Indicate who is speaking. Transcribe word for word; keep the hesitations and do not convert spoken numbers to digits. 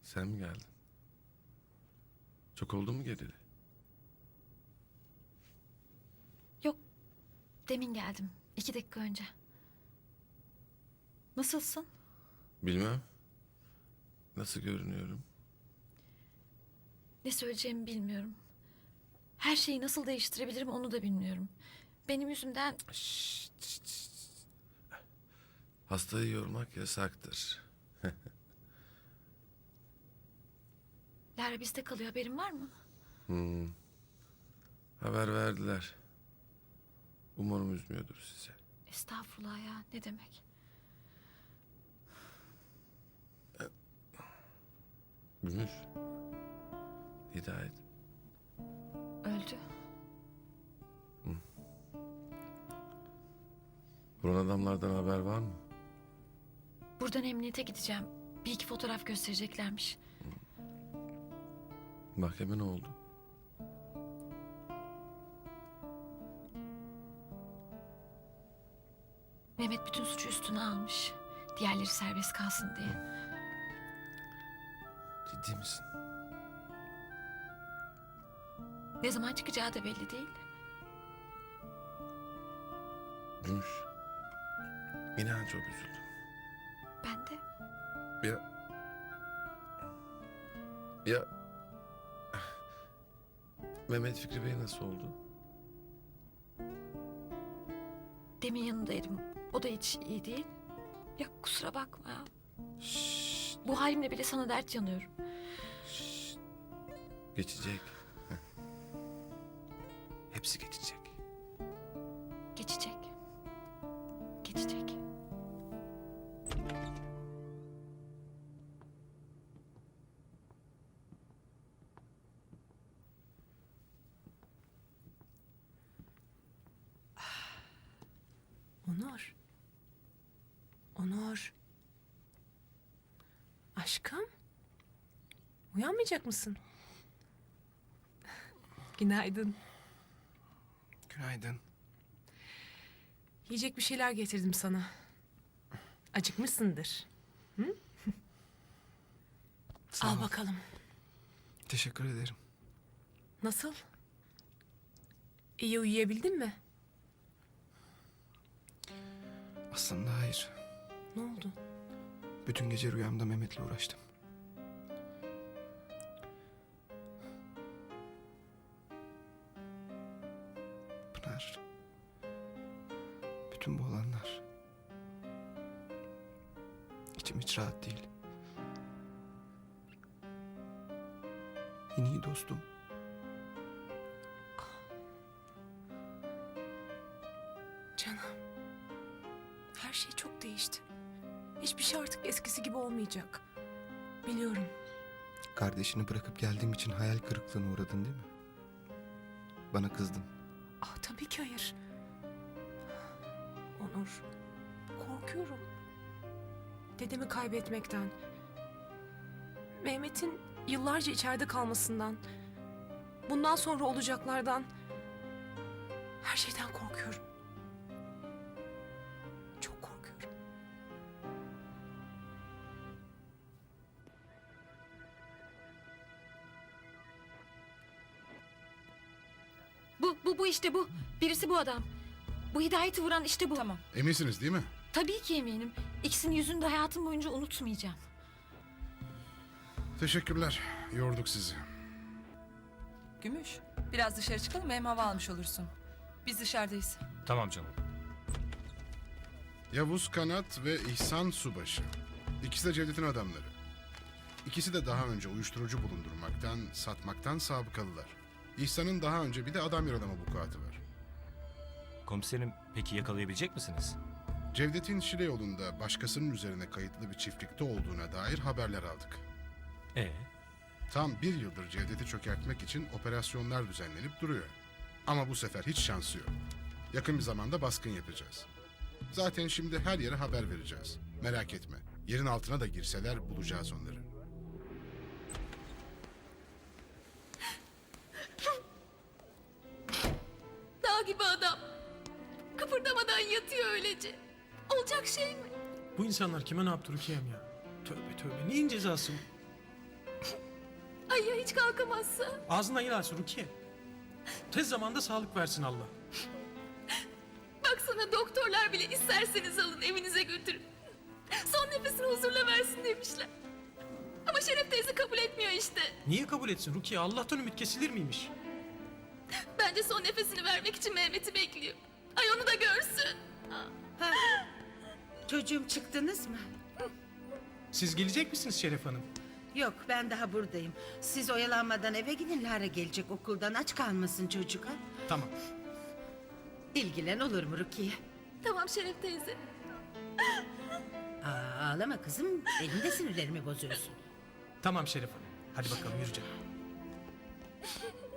Speaker 1: Sen mi geldin? Çok oldu mu geleli?
Speaker 2: Yok. Demin geldim. İki dakika önce. Nasılsın?
Speaker 1: Bilmem. Nasıl görünüyorum?
Speaker 2: Ne söyleyeceğimi bilmiyorum. Her şeyi nasıl değiştirebilirim onu da bilmiyorum. Benim yüzümden...
Speaker 1: Şşt, şşt, şşt. Hastayı yormak yasaktır.
Speaker 2: Lara bizde kalıyor, haberin var mı?
Speaker 1: Hmm. Haber verdiler. Umarım üzmüyordur size.
Speaker 2: Estağfurullah ya, ne demek?
Speaker 1: Gümüş. Hidayet.
Speaker 2: Öldü.
Speaker 1: Vuran adamlardan haber var mı?
Speaker 2: Buradan emniyete gideceğim. Bir iki fotoğraf göstereceklermiş.
Speaker 1: Mahkeme ne oldu?
Speaker 2: Mehmet bütün suçu üstüne almış. Diğerleri serbest kalsın diye.
Speaker 1: Ciddi misin?
Speaker 2: Ne zaman çıkacağı da belli değil.
Speaker 1: Gümüş. İnan çok üzüldüm.
Speaker 2: Ben de.
Speaker 1: Ya... Ya... Mehmet Fikri Bey nasıl oldu?
Speaker 2: Demin yanındaydım. O da hiç iyi değil. Ya kusura bakma ya.
Speaker 1: Şşt,
Speaker 2: Bu halimle bile sana dert yanıyorum.
Speaker 1: şşt. Geçecek. Heh. Hepsi geçecek.
Speaker 2: Geçecek. Geçecek.
Speaker 3: Onur. Onur. Aşkım. Uyanmayacak mısın? Günaydın.
Speaker 4: Günaydın.
Speaker 3: Yiyecek bir şeyler getirdim sana. Acıkmışsındır. Hı?
Speaker 4: Sağ
Speaker 3: Al
Speaker 4: ol.
Speaker 3: bakalım.
Speaker 4: Teşekkür ederim.
Speaker 3: Nasıl? İyi uyuyabildin mi?
Speaker 4: Aslında hayır.
Speaker 3: Ne oldu?
Speaker 4: Bütün gece rüyamda Mehmet'le uğraştım. Pınar. Bütün bu olanlar. İçim hiç rahat değil. En iyi dostum.
Speaker 3: Canım. Her şey çok değişti. Hiçbir şey artık eskisi gibi olmayacak. Biliyorum.
Speaker 4: Kardeşini bırakıp geldiğim için hayal kırıklığına uğradın değil mi? Bana kızdın.
Speaker 3: Ah tabii ki hayır. Onur, korkuyorum. Dedemi kaybetmekten. Mehmet'in yıllarca içeride kalmasından. Bundan sonra olacaklardan. Her şeyden korkuyorum. Çok korkuyorum.
Speaker 2: Bu, bu, bu işte bu. Birisi bu adam. Bu Hidayet'i vuran işte bu.
Speaker 5: Tamam.
Speaker 6: Eminsiniz değil mi?
Speaker 2: Tabii ki eminim. İkisinin yüzünü de hayatım boyunca unutmayacağım.
Speaker 6: Teşekkürler. Yorduk sizi.
Speaker 5: Gümüş, biraz dışarı çıkalım hem hava almış olursun. Biz dışarıdayız.
Speaker 7: Tamam canım.
Speaker 6: Yavuz Kanat ve İhsan Subaşı. İkisi de Cevdet'in adamları. İkisi de daha önce uyuşturucu bulundurmaktan, satmaktan sabıkalılar. İhsan'ın daha önce bir de adam yaralama vukuatı var.
Speaker 7: Komiserim, peki yakalayabilecek misiniz?
Speaker 6: Cevdet'in Şile yolunda başkasının üzerine kayıtlı bir çiftlikte olduğuna dair haberler aldık.
Speaker 7: Ee,
Speaker 6: Tam bir yıldır Cevdet'i çökertmek için operasyonlar düzenlenip duruyor. Ama bu sefer hiç şansı yok. Yakın bir zamanda baskın yapacağız. Zaten şimdi her yere haber vereceğiz. Merak etme. Yerin altına da girseler bulacağız onları.
Speaker 2: Dağ gibi adam. Kıpırdamadan yatıyor öylece. Olacak şey mi?
Speaker 8: Bu insanlar kime ne yaptı Rukiye'm ya? Tövbe tövbe. Neyin cezası bu?
Speaker 2: Ay ya hiç kalkamazsa?
Speaker 8: Ağzından yel alsın Rukiye. Tez zamanda sağlık versin Allah.
Speaker 2: Baksana doktorlar bile isterseniz alın evinize götürün. Son nefesini huzurla versin demişler. Ama Şeref teyze kabul etmiyor işte.
Speaker 8: Niye kabul etsin Rukiye? Allah'tan ümit kesilir miymiş?
Speaker 2: Bence son nefesini vermek için Mehmet'i bekliyor. Ay onu da görsün.
Speaker 9: Çocuğum çıktınız mı?
Speaker 8: Siz gelecek misiniz Şeref Hanım?
Speaker 9: Yok ben daha buradayım. Siz oyalanmadan eve gidin, Lara gelecek okuldan, aç kalmasın çocuk ha.
Speaker 8: Tamam.
Speaker 9: İlgilen olur mu Rukiye?
Speaker 2: Tamam Şeref teyze.
Speaker 9: Aa, ağlama kızım, benim de sinirlerimi bozuyorsun.
Speaker 8: Tamam Şeref Hanım. Hadi bakalım yürü canım.